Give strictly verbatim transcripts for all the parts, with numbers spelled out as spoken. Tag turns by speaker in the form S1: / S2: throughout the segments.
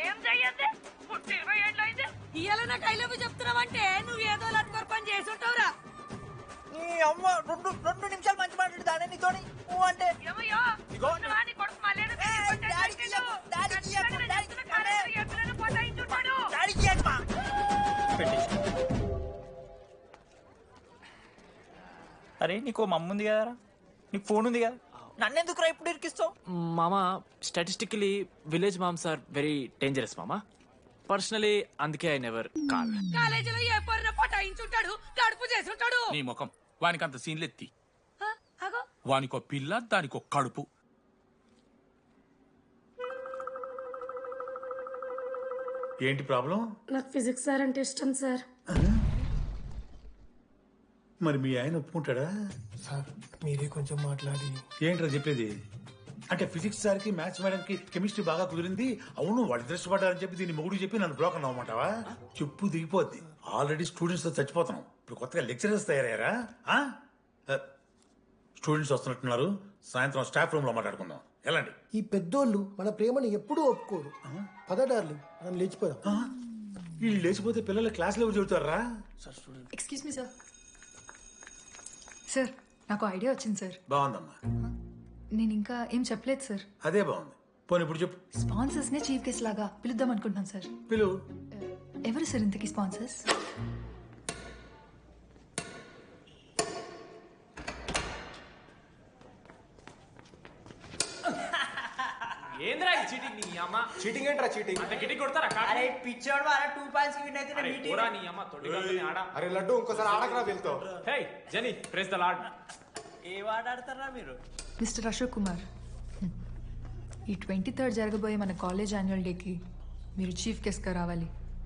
S1: ఏం చెయ్యద్దు పుట్టి ఇరవై ఏళ్ళు అయింది ఇయ్యాల నాకు ఐ లవ్ యూ చెప్తున్నావంటే నువ్వు ఏదో లత్కోర్ పని చేసి ఉంటావురా.
S2: నీ అమ్మ రెండు రెండు నిమిషాలు మంచి మాట్లాడుతానే నీతోని నువ్వు అంటే
S1: ఏమయ్యో వాని కొడుకు మళ్ళీ
S2: అరే నీకు మమ్మ ఉంది కదరా, నీకు ఫోన్ ఉంది కదా, నన్నెందుకు రా ఇప్పుడు ఇరికిస్తావు?
S3: మామా statistically village moms are very dangerous మామా. పర్సనలీ అందుకే ఐ నెవర్ కాల్.
S1: కాలేజీలో ఏ పొరిన పటాయించుంటాడు, కడుపు చేసి ఉంటాడు.
S4: నీ ముఖం వానికి అంత సీన్లెత్తి,
S1: అగో
S4: వానికో పిల్ల దానికో కడుపు.
S5: ఏంటి ప్రాబ్లం?
S6: నాకు ఫిజిక్స్ సార్ అంటే ఇష్టం సార్.
S5: మరి మీ ఆయన ఒప్పుకుంటాడా?
S7: సార్ మీరే కొంచెం మాట్లాడి.
S5: ఏంట్రా చెప్పేది? అంటే ఫిజిక్స్ సార్కి మ్యాథ్స్ మేడంకి కెమిస్ట్రీ బాగా కుదిరింది, అవును వాళ్ళు ఇష్టపడ్డారని చెప్పి దీన్ని మొగుడు చెప్పి నన్ను బ్లాక్ అన్నమాటవా? చెప్పు దిగిపోద్ది. ఆల్రెడీ స్టూడెంట్స్ తో చచ్చిపోతున్నాం, ఇప్పుడు కొత్తగా లెక్చరర్స్ తయారయ్యారా? స్టూడెంట్స్ వస్తున్నట్టున్నారు, సాయంత్రం స్టాఫ్ రూమ్ లో మాట్లాడుకుందాం. ఎలాంటి
S7: ఈ పెద్దోళ్ళు మన ప్రేమను ఎప్పుడూ ఒప్పుకోరు. పద డార్లింగ్ మనం లేచిపోదాం.
S5: వీళ్ళు లేచిపోతే పిల్లలు క్లాస్లో ఎవరు చెబుతారా?
S8: Excuse me sir. సార్ నాకు ఐడియా వచ్చింది సార్.
S5: బాగుందమ్మా.
S8: నేను ఇంకా ఏం చెప్పలేదు సార్.
S5: అదే బాగుంది. పోనీ ఇప్పుడు చెప్పు.
S8: స్పాన్సర్స్ నే చీఫ్ గెస్ట్ లాగా పిలుద్దాం అనుకుంటున్నాను సార్.
S5: పిలువు.
S8: ఎవరు సార్ ఇంతకీ స్పాన్సర్స్?
S3: ఏంద్రా చీటింగ్? నీ అమ్మ
S7: చీటింగ్ ఏంట్రా చీటింగ్?
S3: అంత గిటి కొడతారా?
S2: అరే పిచ్చోడు వాళ్ళ టూ పాయింట్స్ కి విన్ అయితే
S3: అరే పోరా నీ అమ్మ తొడిగల్ని ఆడ.
S7: అరే లడ్డు ఇంకోసారి ఆడకరా వెళ్తావు.
S3: Hey Jenny praise the Lord.
S2: ఏ వాడాడతారా మీరు?
S8: మిస్టర్ అశోక్ కుమార్, ఈ ట్వంటీ థర్డ్ జరగబోయే మన కాలేజ్ యాన్యువల్ డేకి మీరు చీఫ్ గెస్ట్గా రావాలి.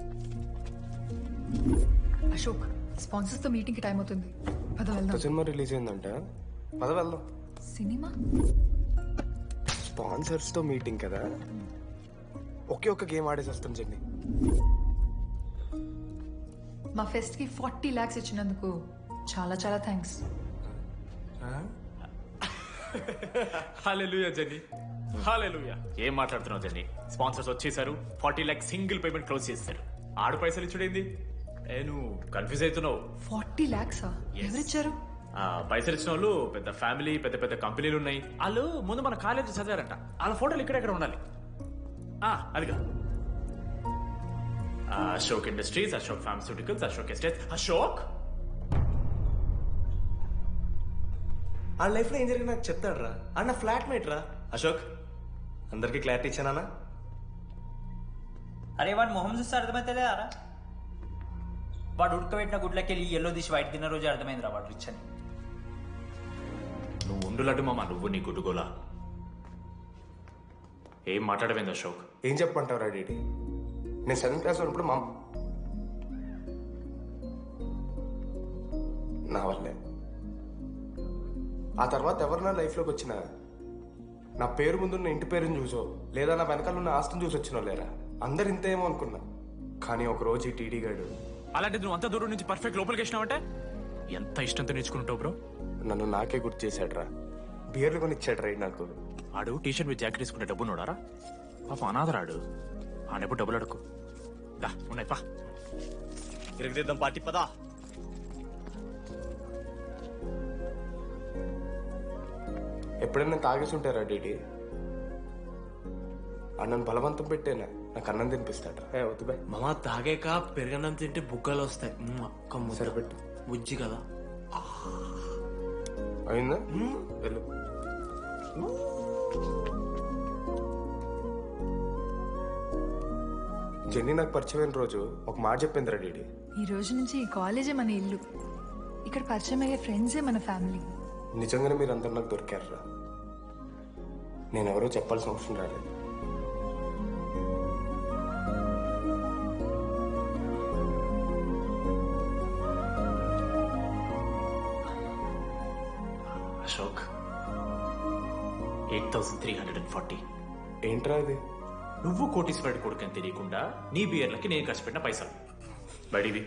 S8: అశోక్, స్పాన్సర్స్తో మీటింగ్కి టైం అవుతుంది, పద వెళ్దాం.
S7: సినిమా రిలీజ్ అయిందంట, పద వెళ్దాం.
S8: సినిమా?
S7: స్పాన్సర్స్ తో మీటింగ్ కదా, ఒకే ఒక్క గేమ్ ఆడేసి వస్తాం చెన్ని.
S8: మా ఫెస్ట్కి ఫార్టీ ల్యాక్స్ ఇచ్చినందుకు చాలా చాలా థ్యాంక్స్.
S3: హల్లెలూయా జెన్నీ, హల్లెలూయా. ఏం మాట్లాడుతున్నావు జెన్నీ? స్పాన్సర్స్ వచ్చేసారు, forty lakh single payment close చేస్తారు. ఆడు పైసలు ఇచ్చుడేంది? ఏ నువ్వు కన్ఫ్యూజ్ అవుతున్నావు.
S8: ఫార్టీ ల్యాక్సా? ఎవరిచ్చారు?
S3: పైసలు ఇచ్చిన వాళ్ళు పెద్ద ఫ్యామిలీ, పెద్ద పెద్ద కంపెనీలు ఉన్నాయి. వాళ్ళు ముందు మన కాలేజ్ చదివారంట, వాళ్ళ ఫోటోలు ఇక్కడెక్కడ ఉండాలి. అదిగా Ashok industries, Ashok pharmaceuticals, Ashok estates. Ashok
S9: ఆ లైఫ్ లో ఏం జరిగింది నాకు చెప్తాడు రా. అన్న ఫ్లాట్ మేట్ రా అశోక్. అందరికి క్లారిటీ ఇచ్చానా?
S2: అరే వాడు మొహం చూస్తే అర్థమైతలేదారా? వాడు ఉడకబెట్టిన గుడ్లకి వెళ్ళి ఎల్లో తీసి వైట్ తిన్న రోజు అర్థమైందిరా వాడు రిచ్ అని.
S3: నువ్వు ఉండులడ్డు మామ, నువ్వు నీ గుడ్డుగోలా. ఏం మాట్లాడమైంది అశోక్?
S7: ఏం చెప్పమంటావు రా డీడీ? నేను సెవెంత్ క్లాస్ ఉన్నప్పుడు మా నా వల్లే. ఆ తర్వాత ఎవరు నా లైఫ్లోకి వచ్చినా నా పేరు ముందున్న ఇంటి పేరుని చూసో లేదా నా వెనకాల ఉన్న ఆస్తిని చూసి వచ్చినో లేరా, అందరు ఇంతేమో అనుకున్నా. కానీ ఒక రోజు ఈ టీడీ గాడు.
S3: అలాంటిది నువ్వు అంత దూరం నుంచి పర్ఫెక్ట్ లోపలికి వేసినావంటే ఎంత ఇష్టంతో నేర్చుకుంటావు బ్రో.
S7: నన్ను నాకే గుర్తు చేశాడు రా, బియర్లు కొని ఇచ్చాడు రా నాకు.
S3: ఆడు టీషర్ట్ మీద జాకెట్ తీసుకుంటే డబ్బు నోడారా? పాప అనాథరాడు, ఆడెప్పుడు డబ్బులు అడుకు. దా ఉన్నాయి పా,
S9: తిరగదిద్దాం పార్టీ పదా.
S7: ఎప్పుడైనా తాగేసి ఉంటారా డీడీ? అన్నను బలవంతం పెట్టేనా నాకు అన్నం తినిపిస్తాడు. ఏ వద్దు బాయ్
S9: మామ, తాగాక పెరగన్నం తింటే బుగ్గలు వస్తాయి. అక్క
S7: సరిపెట్టు,
S9: బుజ్జి కదా.
S7: అయిందా? వెళ్ళు. జెన్నీ నాకు పరిచయమైన రోజు ఒక మాట చెప్పిందిరా డీడీ.
S8: ఈ రోజు నుంచి ఈ కాలేజే మన ఇల్లు, ఇక్కడ పరిచయం అయ్యే ఫ్రెండ్సే మన ఫ్యామిలీ.
S7: నిజంగానే మీరు అందరు నాకు దొరికారా? నేను ఎవరో చెప్పాల్సిన అవసరం రాలేదు.
S3: Ashok, eight thousand three hundred and forty.
S7: ఏంట్రా అది?
S3: నువ్వు కోటీశ్వరుడి కొడుకని తెలియకుండా నీ బియర్లకి నేను ఖర్చు పెట్టిన పైసలు బడివి.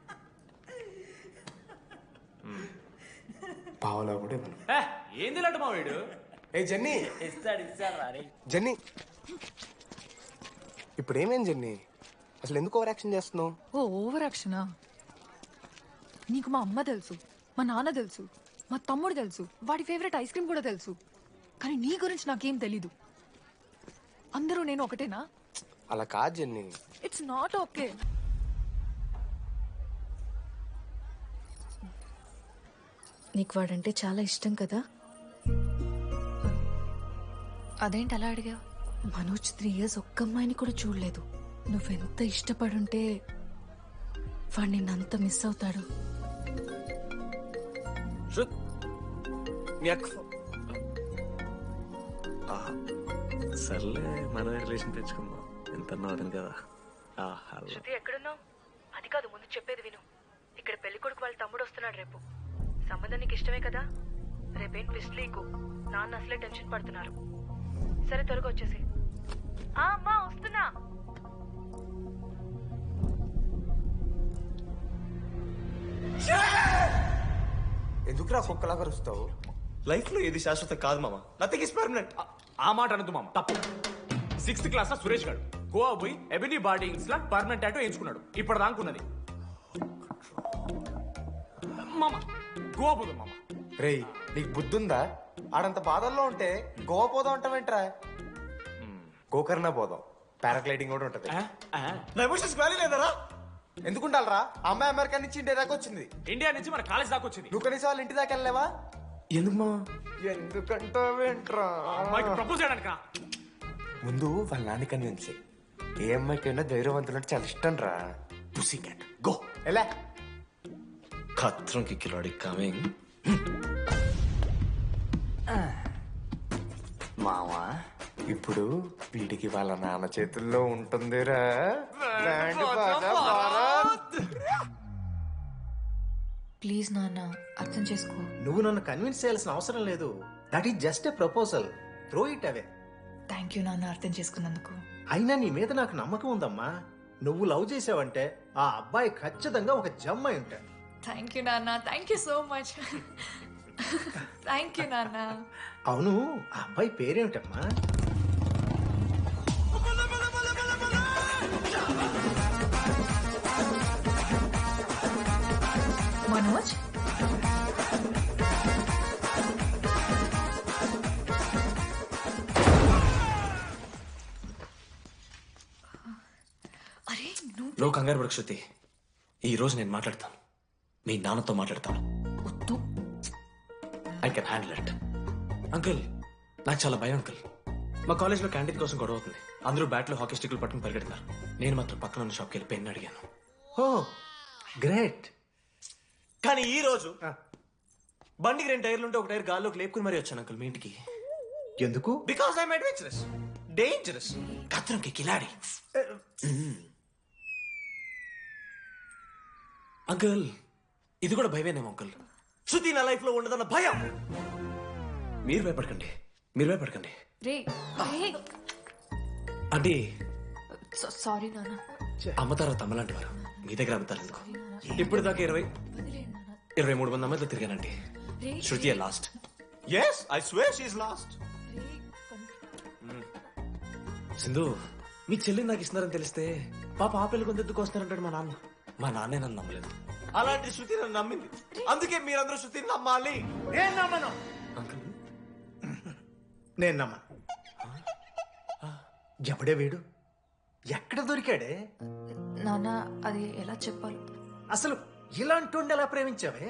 S7: పావలా కూడా ఇవ్వను.
S3: ఏంది లాంటి మా వీడు?
S7: ఏ జెన్నీ,
S2: ఇస్తాడు ఇస్తాడు రా.
S7: జెన్నీ ఇప్పుడు ఏమేం జర్నీ అసలు ఎందుకు ఓవర్ యాక్షన్ చేస్తున్నావు?
S8: ఓ ఓవర్ యాక్షనా? నీకు మా అమ్మ తెలుసు, మా నాన్న తెలుసు, మా తమ్ముడు తెలుసు, వాడి ఫేవరెట్ ఐస్ క్రీమ్ కూడా తెలుసు. కానీ నీ గురించి నాకేం తెలీదు. అందరూ నేను ఒకటేనా?
S7: అలా కాదు జర్నీ.
S8: It's not okay.
S6: నీకు వాడంటే చాలా ఇష్టం కదా?
S8: అదేంటి అలా అడిగా?
S6: మనోజ్ త్రీ ఇయర్స్ ఒక్క అమ్మాయిని కూడా చూడలేదు. నువ్వెంత ఇష్టపడుంటే వాడు నిన్నంత మిస్ అవుతాడు.
S9: సర్లే మన రిలేషన్ తెచ్చుకుందాం. ఎంత అర్థం కదా.
S8: శృతి ఎక్కడున్నావు? అది కాదు, ముందు చెప్పేది విను. ఇక్కడ పెళ్లి కొడుకు వాళ్ళ తమ్ముడు వస్తున్నాడు రేపు. సంబంధం నీకు ఇష్టమే కదా? రేపేం ట్విస్ట్ లీకు. నాన్న అసలే టెన్షన్ పడుతున్నారు. సరే త్వరగా వచ్చేసి. అమ్మా వస్తున్నా.
S7: ఎందుకురా కుక్కలాగా వస్తావు?
S9: లైఫ్ లో ఏది శాశ్వత కాదు మామ. Nothing is permanent.
S3: ఆ మాట అనదు మామ, తప్పు. సిక్స్త్ క్లాస్ లో సురేష్ గారు గోవా పోయి ఎబినీ బార్డింగ్స్ లా పర్మనెంట్ టాటూ ఎంచుకున్నాడు. ఇప్పుడు దానుకున్నది మామ. గోవా పోదాం మామ.
S7: రేయ్ నీకు బుద్ధుందా? ఆడంత బాధల్లో ఉంటే గోవా పోదాం అంటావేంట్రా? గోకర్ణ పోదాం, పారాగ్లైడింగ్ కూడా ఉంటది.
S9: నా ఎమోషన్స్ వాల్యూ లేదరా?
S7: ఎందుకుంటారా? అమ్మాయి అమెరికా నుంచి ఇండియా దాకా వచ్చింది.
S3: ఇండియా నుంచి మన కాలేజ్ దాకా వచ్చింది.
S7: నువ్వు కనీసం వాళ్ళ ఇంటి దాకా వెళ్ళలేవా?
S9: ఎందుకు మామ?
S7: ఎందుకంటావేంట్రా?
S3: అమ్మాయికి ప్రపోజ్ చేయడానికి
S7: ముందు వాళ్ళ నాన్న కన్విన్స్. ఏ అమ్మాయికైనా ధైర్యవంతులు అంటే చాలా ఇష్టం రా.
S9: Pussy cat go.
S7: ఎలా
S9: ఖత్రం కి కిలాడి కమింగ్.
S7: మావా ఇప్పుడు వీడికి వాళ్ళ నాన్న చేతుల్లో ఉంటుందిరా. బ్యాండ్ బాజా భారత్.
S8: ప్లీజ్ నాన్న అర్థం చేసుకో.
S10: నువ్వు నన్ను కన్విన్స్ చేయాల్సిన అవసరం లేదు. That is just a proposal. Throw it away.
S8: Thank you నాన్న అర్థం చేసుకున్నందుకు.
S10: అయినా నీ మీద నాకు నమ్మకం ఉందమ్మా. నువ్వు లవ్ చేసావంటే ఆ అబ్బాయి ఖచ్చితంగా ఒక జమ్మాయి ఉంటాడు.
S8: థ్యాంక్ యూ నాన్న. Thank you so much. Thank you నాన్న.
S10: అవును, ఆ అబ్బాయి పేరేమిటమ్మా?
S8: మనోజ్. అరే
S9: నువ్వు కంగారు పడకు శృతి. ఈ రోజు నేను మాట్లాడతాను. మీ నాన్నతో మాట్లాడతాను.
S8: వద్దు.
S9: I can handle it. Uncle నాకు చాలా భయం అంకుల్. మా కాలేజ్లో క్యాంటీన్ కోసం గొడవ అవుతుంది. అందరూ బ్యాట్లో హాకీ స్టిక్లు పట్టుకుని పరిగెడుతున్నారు. నేను మాత్రం పక్కన ఉన్న షాప్కి వెళ్ళి పెన్ అడిగాను.
S10: Oh great.
S9: కానీ ఈ రోజు బండికి రెండు టైర్లు ఉంటే ఒక టైర్ గాల్లోకి లేపుకుని మరీ వచ్చాను అంకుల్ మీ ఇంటికి.
S10: ఎందుకు?
S9: బికాస్ ఐఎమ్ అడ్వెంచరస్, డేంజరస్, కత్రంకి కిలాడి. అంకుల్ ఇది కూడా భయమేనేమో అంకుల్. శృతి నా లైఫ్ లో ఉండదన్న భయం. మీరు భయపడకండి, మీరు భయపడకండి.
S8: రే రే.
S9: అంటే
S8: సారీ నాన్న.
S9: అమ్మ తర్వాత అమ్మలాంటి వారు మీ దగ్గర అమ్ముతారు ఎందుకు? ఇప్పుడు దాకా ఇరవై ఇరవై మూడు మంది అమ్మాయితో తిరిగానండి. Shruti lost. Yes I swear she is lost. Sindhu మీ చెల్లిని నాకు ఇస్తున్నారని తెలిస్తే పాప ఆ పెళ్లి కొందెత్తుకు వస్తారంటాడు మా నాన్న. మా నాన్నే నన్ను నమ్మలేదు. అలాంటి శృతి నన్ను నమ్మింది. అందుకే మీరందరూ శృతిని నమ్మాలి.
S10: నేను నమ్మను.
S9: అంకుల్
S10: నేను నమ్మను. ఎవడే వీడు? ఎక్కడ దొరికాడే?
S8: నాన్న అది ఎలా చెప్పాలి?
S10: అసలు ఇలాంటి ఎలా ప్రేమించావే?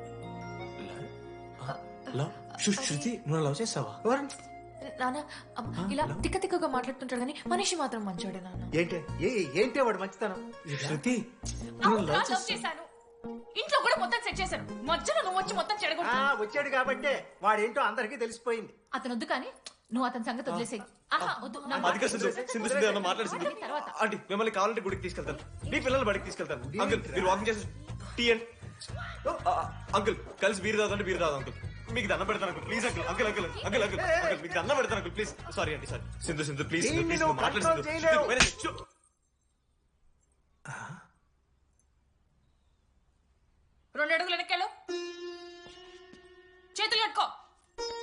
S9: లవ్ శృతి నువ్వు లవ్ చేసావా?
S8: నాన్న ఇలా తిక్క తిక్కగా మాట్లాడుతుంటాడు కానీ మనిషి మాత్రం మంచోడే నాన్న.
S10: ఏంటి ఏంటి వాడు మంచితనం?
S9: శృతి
S1: చేశాను. ఇంట్లో కూడా మొత్తం సెట్ చేశాను. మధ్యలో నువ్వు వచ్చి మొత్తం చెడగొట్టు.
S10: వచ్చాడు కాబట్టే వాడేంటో అందరికీ తెలిసిపోయింది.
S1: అతను వద్దు కానీ నువ్వు అతని సంగతి వదిలేసేయి. ఆహా వద్దు. నా
S9: అధిక సింధు సింధు సింధు అన్న మాట్లాడుతుంది.
S1: తర్వాత.
S9: ఆంటీ మిమ్మల్ని కావాలంటే గుడికి తీసుకెళ్తాను. మీ పిల్లలు బడికి తీసుకెళ్తాను. అంకుల్ మీరు వాకింగ్ చేసి టీ అండ్ అంకుల్ కలిసి బీరు తాగుతుంటే బీరు తాగు అంకుల్. మీకు దండం పెడతాను uncle please uncle. Uncle uncle uncle uncle uncle మీకు దండం పెడతాను అంకుల్ ప్లీజ్. సారీ అండి sorry. Sindhu Sindhu please please మాట్లాడుతుంది.
S1: రెండు అడుగులు వెనక్కాడు. చేతులు కట్టుకో.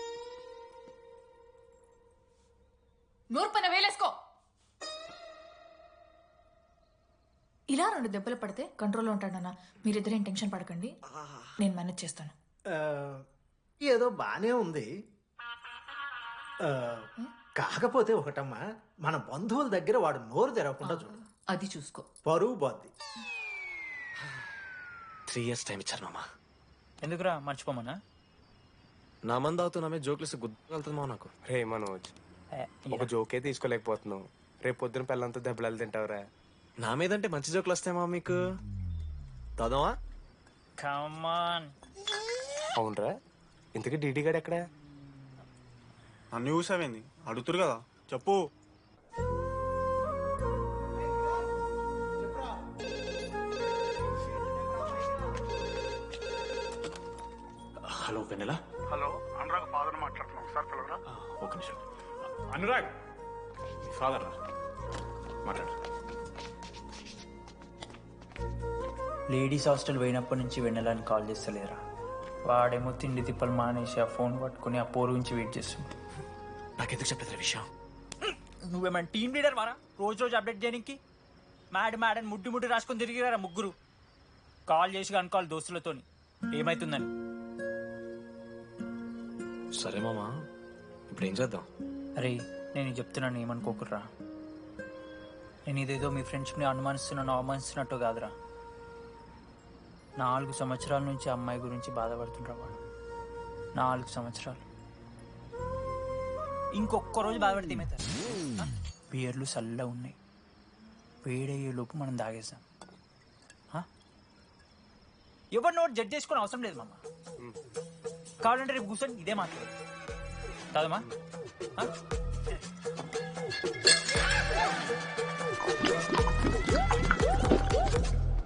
S1: నూరు పైన వేలేసుకో.
S11: ఇలా రెండు దెబ్బలు పడితే కంట్రోల్లో ఉంటాడన్న. మీరిద్దరేం టెన్షన్ పడకండి, నేను మేనేజ్ చేస్తాను.
S10: ఆ, ఏదో బానే ఉంది. ఆ, కాకపోతే ఒకటమ్మా, మన బంధువుల దగ్గర వాడు నోరు తెరవకుండా చూడు.
S11: అది చూసుకో.
S10: పరువు బాద్ది.
S9: త్రీ ఇయర్స్ టైం ఇచ్చారు మామ.
S2: ఎందుకురా మర్చిపోమన్నా?
S9: నా మంది అవుతున్నా మీద జోక్లు గుర్తుకెళ్తుంది మామ నాకు.
S7: రే మనోజ్, ఒక జోకే తీసుకోలేకపోతున్నావు. రేపు పొద్దున పిల్లలతో దెబ్బలు తింటావురా.
S9: నా మీదంటే మంచి జోకులు వస్తాయి మామ మీకు. దాదావా
S2: కమాన్.
S7: అవునరా, ఇంతకీ డీడీ గాడు ఎక్కడా?
S12: అన్ని చూసావేంది? అడుగుతురు కదా, చెప్పు.
S3: Hello Vennela.
S12: Hello, Anurag father మాట్లాడుతున్నాం సార్, పిల్లరా.
S3: ఒక నిమిషం. అనురాగ్ ఫాదర్ మాట్లాడు.
S2: లేడీస్ హాస్టల్ పోయినప్పటి నుంచి వెన్నెలని కాల్ చేస్తలేరా? వాడేమో తిండి తిప్పలు మానేసి ఆ ఫోన్ పట్టుకుని ఆ పోరు గురించి వెయిట్ చేస్తుంది.
S9: నాకెందుకు చెప్పలేదు విషయం?
S2: నువ్వేమైనా టీం లీడర్ మారా రోజు రోజు అప్డేట్ చేయడానికి? మ్యాడ్ మ్యాడ్ అని ముడ్డి ముడ్డి రాసుకొని తిరిగిరారా ముగ్గురు. కాల్ చేసి అనుకోవాలి దోస్తులతోని ఏమైతుందని.
S9: సరే మామా, ఇప్పుడు ఏం చేద్దాం?
S2: అరే నేను ఇది చెప్తున్నాను, ఏమనుకోకుర్రా. నేను ఇదేదో మీ ఫ్రెండ్స్ని అనుమానిస్తున్నాను అవమానిస్తున్నట్టు కాదురా. నాలుగు సంవత్సరాల నుంచి అమ్మాయి గురించి బాధపడుతుండ్రా వాడు. నాలుగు సంవత్సరాలు. ఇంకొక్క రోజు బాధపడితే ఏమవుతారు? బియర్లు చల్లగా ఉన్నాయి, వేడయ్యే లోపు మనం తాగేసాం. ఎవరు నోట్ జడ్జ్ చేసుకుని అవసరం లేదు మామ. కావాలంటే రేపు కూర్చొని ఇదే మాట్లాడదు కాదమ్మా.